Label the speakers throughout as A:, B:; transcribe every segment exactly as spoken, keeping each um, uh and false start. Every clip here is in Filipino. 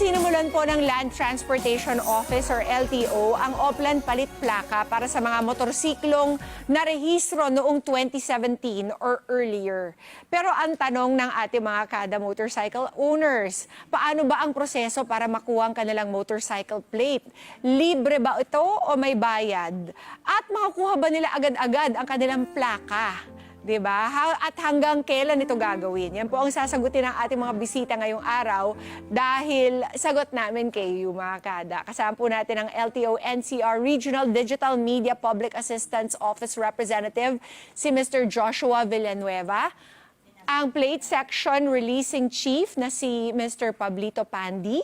A: Sinimulan po ng Land Transportation Office or L T O ang Oplan Palit Plaka para sa mga motorsiklong narehistro noong twenty seventeen or earlier. Pero ang tanong ng ating mga kada motorcycle owners, paano ba ang proseso para makuha ang kanilang motorcycle plate? Libre ba ito o may bayad? At makukuha ba nila agad-agad ang kanilang plaka? Diba? At hanggang kailan ito gagawin? Yan po ang sasagutin ng ating mga bisita ngayong araw dahil sagot namin kayo mga kada. Kasama po natin ang L T O N C R Regional Digital Media Public Assistance Office Representative, si Mister Joshua Villanueva, ang Plate Section Releasing Chief na si Mister Pablito Pandi,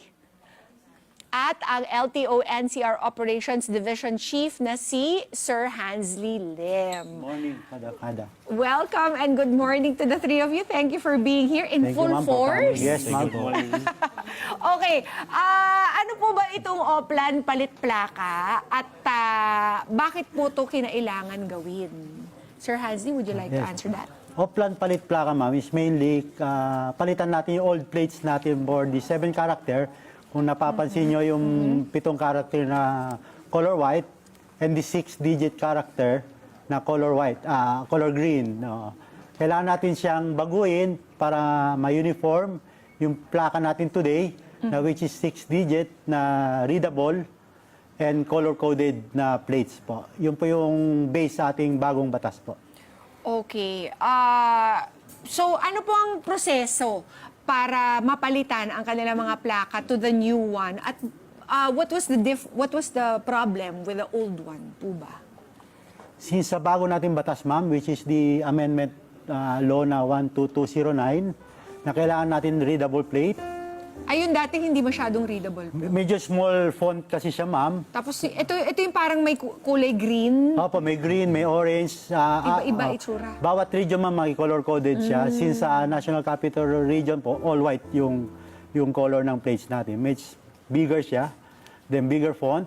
A: at ang L T O N C R Operations Division Chief na si Sir Hansley Lim.
B: Morning, kada-kada.
A: Welcome and good morning to the three of you. Thank you for being here in
B: Thank
A: full
B: you, ma'am, for
A: force.
B: coming. Yes, ma'am.
A: Okay, ah, ano po ba itong Oplan Palit Plaka at ah, bakit po ito kinailangan gawin? Sir Hansley, would you like to
B: Yes.
A: answer that?
B: Oplan palit plaka, ma'am, is mainly uh, palitan natin yung old plates natin for the seven character. Kung napapansin nyo yung pitong character na color white and the six digit character na color white, ah, color green. No. Kailangan natin siyang baguhin para ma-uniform yung plaka natin today, na which is six digit na readable and color-coded na plates po. Yun po yung base sa ating bagong batas po.
A: Okay. Ah, so ano po ang proseso para mapalitan ang kanilang mga plaka to the new one? At ah, what was the dif- what was the problem with the old one po ba?
B: Since sa bago nating batas, ma'am, which is the amendment uh, law na one two two zero nine, na kailangan natin readable plate.
A: Ayun, dating hindi masyadong readable.
B: Medyo small font kasi siya, ma'am.
A: Tapos ito ito yung parang may ku- kulay green.
B: Opo, may green, may orange. ah,
A: Iba-iba
B: ah, ah,
A: itsura.
B: Bawat region, ma'am, may color-coded siya. Since sa National Capital Region po, all white yung, yung color ng plates natin. Medyo bigger siya, then bigger font.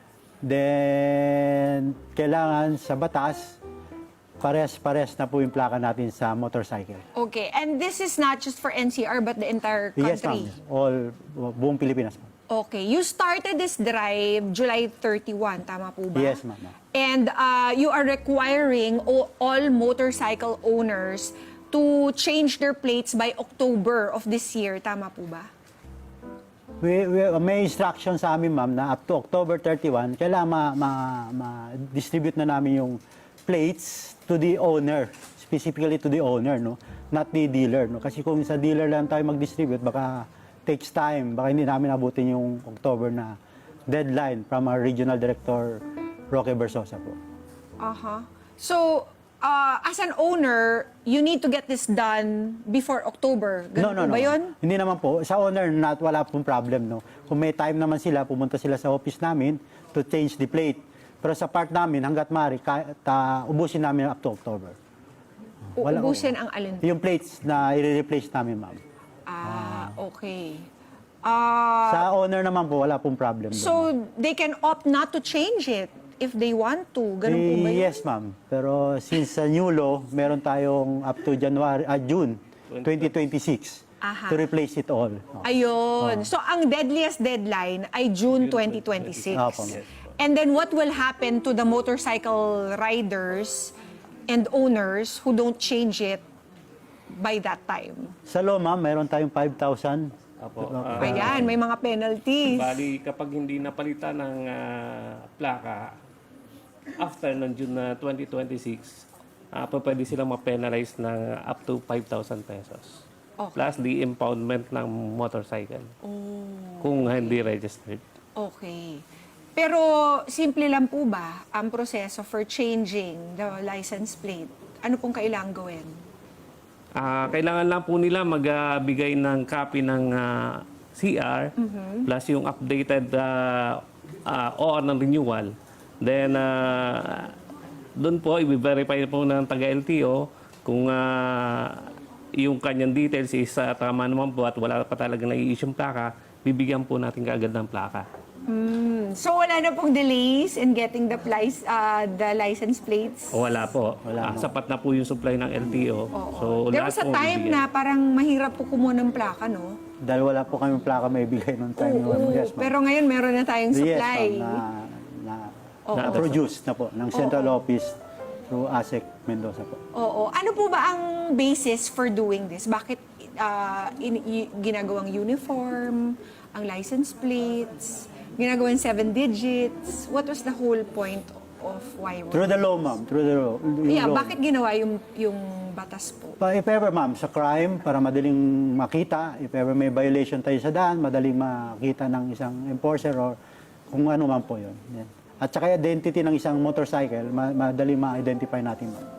B: Then, kailangan sa batas, pares-pares na po yung plaka natin sa motorcycle.
A: Okay, and this is not just for N C R but the entire
B: Yes,
A: country.
B: ma'am. All, buong Pilipinas, ma'am.
A: Okay, you started this drive July thirty-first, tama po ba?
B: Yes, ma'am.
A: And uh, you are requiring o- all motorcycle owners to change their plates by October of this year, tama po ba?
B: We, we, may instruction sa amin, ma'am, na up to October thirty-first, kailangan ma- ma- ma-distribute na namin yung plates to the owner, specifically to the owner, no? Not the dealer, no? Kasi kung sa dealer lang tayo mag-distribute, baka takes time, baka hindi namin abutin yung October na deadline from our Regional Director, Roque Bersosa po.
A: Aha. So, uh, as an owner, you need to get this done before October. Ganun po ba yun?
B: Hindi naman po. Sa owner, not, wala pong problem, no? Kung may time naman sila, pumunta sila sa office namin to change the plate. Pero sa part namin, hanggat maaari, ka- ta, ubusin namin up to October. Wala-
A: Uubusin ang alin?
B: Yung plates na i-replace namin, ma'am.
A: Ah, okay. Ah,
B: Sa owner naman po, wala pong problem. doon.
A: so, they can opt not to change it if they want to. Ganun po ba
B: Eh,
A: yun?
B: yes, ma'am. Pero since sa new law, meron tayong up to January, ah, June twenty twenty-six
A: Aha.
B: to replace it all. Oh.
A: Ayun. So, ang deadliest deadline ay June twenty twenty-six.
B: Opo.
A: And then what will happen to the motorcycle riders and owners who don't change it by that time?
B: Sa law, ma'am, meron tayong five thousand.
C: Apo. ah,
A: Ayan, may mga penalties.
C: bali, kapag hindi napalitan ng ah, plaka, after ng June na twenty twenty-six, uh, pwede silang ma-penalize ng up to five thousand pesos.
A: Okay.
C: Plus the impoundment ng motorcycle.
A: Oh,
C: Kung hindi registered.
A: okay. Pero simple lang po ba ang proseso for changing the license plate? Ano pong kailangan gawin?
C: Ah, kailangan lang po nila magbigay ng copy ng ah, C R plus yung updated uh, O R ng renewal. Then, ah, doon po, i-verify po ng taga-L T O kung ah, yung kanyang details is ah, tama naman po at wala pa talaga na-i-issue plaka, bibigyan po natin kaagad ng plaka.
A: Mm, So wala na pong delays in getting the, plice, uh, the license plates?
C: Wala po.
B: Wala
C: Ah,
B: po.
C: sapat na po yung supply ng L T O. So,
A: There
C: lahat
A: was a
C: po
A: time
C: bibigyan.
A: na parang mahirap po kumuha ng plaka, no?
B: Dahil wala po kami plaka may bigay noong time.
A: Oo,
B: yes, ma'am.
A: pero ngayon meron na tayong supply.
B: Yes, ma'am, na, na,
C: Oo.
B: produce na po ng central office through A S E C Mendoza po.
A: Oo. Ano po ba ang basis for doing this? Bakit ah, in, y- ginagawang uniform, ang license plates, ginagawang seven digits? What was the whole point of why we're...
B: Through the law, ma'am. Through the law. yung
A: Yeah,
B: law.
A: bakit ginawa yung, yung batas po?
B: Pa, if ever, ma'am, sa crime, para madaling makita, if ever may violation tayo sa daan, madaling makita ng isang enforcer or kung ano man po yun. Yan. At saka identity ng isang motorcycle, ma- madaling ma-identify natin, ma'am.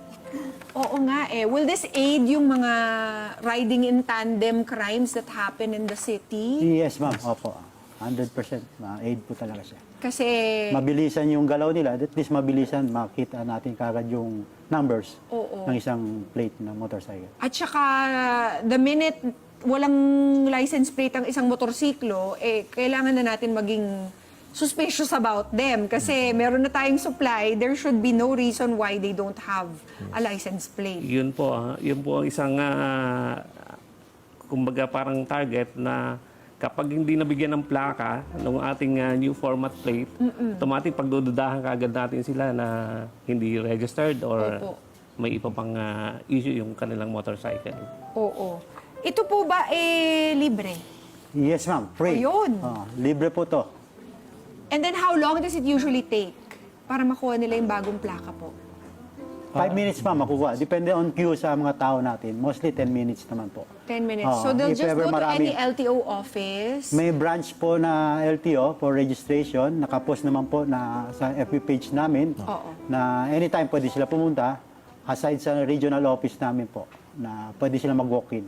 A: Oo nga eh. Will this aid yung mga riding in tandem crimes that happen in the city?
B: Yes, ma'am. Opo. one hundred percent. Ma-aid po talaga siya.
A: Kasi...
B: Mabilisan yung galaw nila, at least mabilisan, makita natin kagad yung numbers
A: Oo.
B: ng isang plate ng motorcycle.
A: At saka, the minute walang license plate ang isang motorsiklo, eh, kailangan na natin maging suspicious about them. Kasi meron na tayong supply, there should be no reason why they don't have a license plate.
C: Yun po, ah, yun po ang isang, ah, kumbaga parang target na kapag hindi nabigyan ng plaka ng ating ah, new format plate, automatic pagdududahan kaagad natin sila na hindi registered or
A: Opo.
C: may iba pang ah, issue yung kanilang motorcycle.
A: Oo. Ito po ba eh libre?
B: Yes, ma'am. Free.
A: O, yun.
B: Oh, libre po to.
A: And then how long does it usually take para makuha nila yung bagong plaka po?
B: Five minutes, ma'am, makukuha. Depende on queue sa mga tao natin. Mostly ten minutes naman po.
A: ten minutes.
B: Oo,
A: So they'll
B: if
A: just
B: ever
A: go to
B: marami-
A: any L T O office.
B: May branch po na L T O for registration. Nakapost naman po na sa F B page namin
A: Oo.
B: na anytime pwede sila pumunta aside sa regional office namin po na pwede sila mag-walk-in.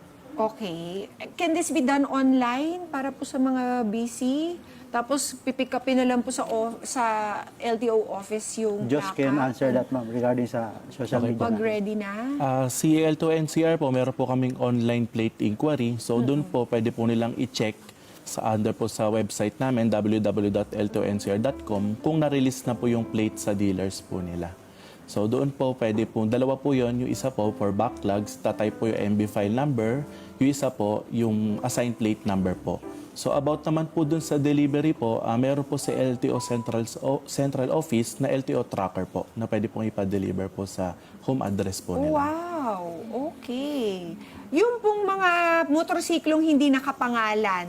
A: Okay. Can this be done online para po sa mga busy? Tapos pipick upin na lang po sa o- sa L T O office yung
B: Just
A: plaka?
B: can answer that, ma'am, regarding sa social media.
A: Pag
B: natin.
A: ready na?
D: Ah, si L two N C R po, meron po kaming online plate inquiry. So doon po pwede po nilang i-check sa under po sa website namin w w w dot l two n c r dot com kung na-release na po yung plate sa dealers po nila. So doon po pwede po, dalawa po yon, yung isa po for backlogs, tatay po yung M B file number, yung isa po yung assigned plate number po. So about naman po dun sa delivery po, uh, meron po sa L T O Central, o, Central Office na L T O tracker po na pwede pong ipa-deliver po sa home address po nila.
A: Wow! Okay. Yung pong mga motorsiklong hindi nakapangalan,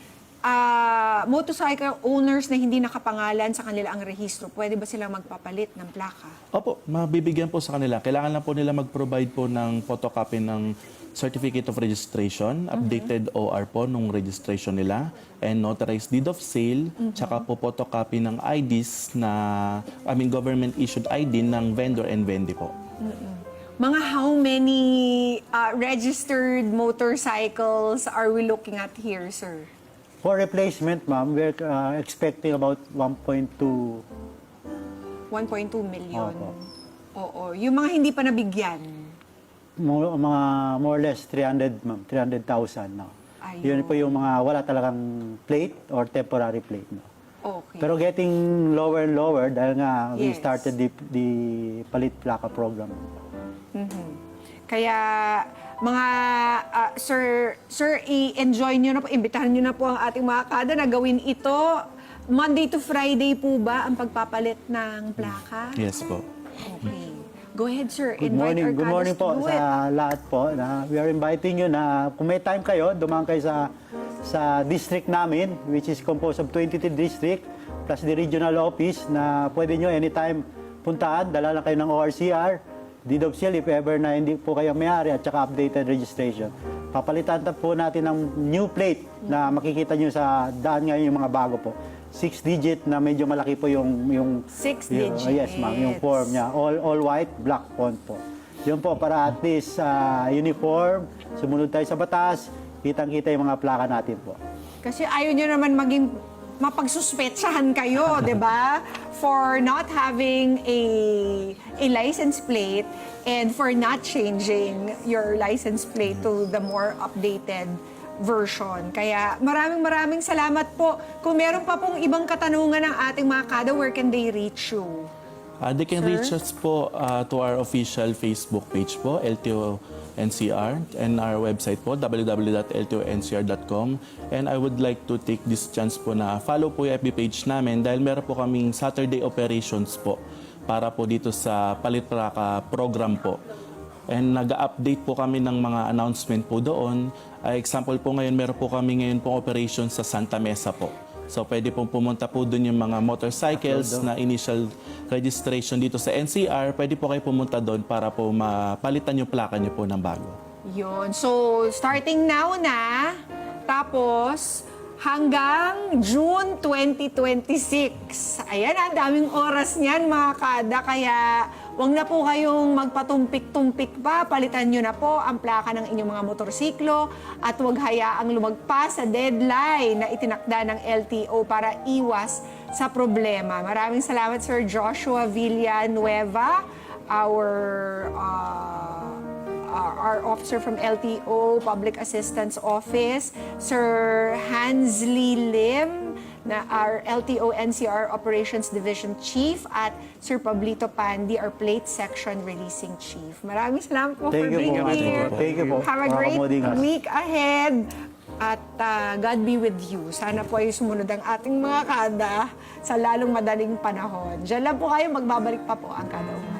A: ah, motorcycle owners na hindi nakapangalan sa kanila ang rehistro, pwede ba silang magpapalit ng plaka?
D: Opo, mabibigyan po sa kanila. Kailangan lang po nila mag-provide po ng photocopy ng Certificate of Registration, updated O R po nung registration nila, and notarized deed of sale, tsaka po photocopy ng I Ds na, I mean, government-issued I D ng vendor and vendee po.
A: Mga how many ah, registered motorcycles are we looking at here, sir?
B: For replacement, ma'am, we're uh, expecting about one point two.
A: one point two million.
B: Opo.
A: Oo. Yung mga hindi pa nabigyan.
B: Mo- mga more or less three hundred, ma'am, three hundred thousand. No?
A: Ayun.
B: Yun po yung mga wala talagang plate or temporary plate. No?
A: Okay.
B: Pero getting lower and lower dahil nga we
A: Yes.
B: started the, the Palit Plaka program.
A: Kaya mga ah, sir, sir, i-enjoy nyo na po, imbitahan nyo na po ang ating mga kada na gawin ito. Monday to Friday po ba ang pagpapalit ng plaka?
D: Yes po.
A: Okay. Go ahead, sir.
B: Good
A: Invite
B: morning,
A: our
B: good morning
A: kadas to
B: po
A: do it.
B: sa lahat po. Na we are inviting you na kung may time kayo, dumaan kayo sa sa district namin, which is composed of twenty-three district plus the regional office na pwede nyo anytime puntahan, dala lang kayo ng O R C R, deed of sale if ever na hindi po kayo may-ari at saka updated registration. Papalitan ta po natin ng new plate na makikita nyo sa daan ngayon yung mga bago po. Six digit na medyo malaki po yung yung
A: Six
B: yung-
A: digits.
B: Yes, ma'am, yung form niya. All all white, black font po. Yun po para at least ah, uniform, sumunod tayo sa batas, kitang-kita yung mga plaka natin po.
A: Kasi ayaw nyo naman maging mapagsuspetsahan kayo, di ba? For not having a a license plate and for not changing your license plate to the more updated version. Kaya maraming maraming salamat po. Kung meron pa pong ibang katanungan ng ating mga kada, where can they reach you?
D: Uh, they can
A: Sir?
D: reach us po uh, to our official Facebook page po, L T O N C R, and our website po, w w w dot l t o n c r dot com. And I would like to take this chance po na follow po yung F B page namin dahil meron po kaming Saturday operations po para po dito sa Palitplaka program po. And nag-update po kami ng mga announcement po doon. Uh, example po ngayon, meron po kami ngayon pong operation sa Santa Mesa po. So pwede pong pumunta po doon yung mga motorcycles na initial registration dito sa N C R. Pwede po kayo pumunta doon para po mapalitan yung plaka niyo po ng bago.
A: Yun. So, starting now na, tapos hanggang June twenty twenty-six. Ayan, ang daming oras niyan mga kada. Kaya wag na po kayong magpatumpik-tumpik pa. Palitan nyo na po ang plaka ng inyong mga motorsiklo at huwag hayaang lumagpas sa deadline na itinakda ng L T O para iwas sa problema. Maraming salamat Sir Joshua Villanueva, our uh, uh, our officer from L T O Public Assistance Office, Sir Hansley Lim, na our L T O N C R Operations Division Chief, at Sir Pablito Pandi, our Plate Section Releasing Chief. Maraming salamat po
B: Thank
A: for
B: you
A: being
B: po.
A: here.
B: Thank you po.
A: Have a
B: Mga
A: great
B: kamodingas.
A: week ahead. At uh, God be with you. Sana po ay sumunod ang ating mga kada sa lalong madaling panahon. Diyan lang po kayo, magbabalik pa po ang kada.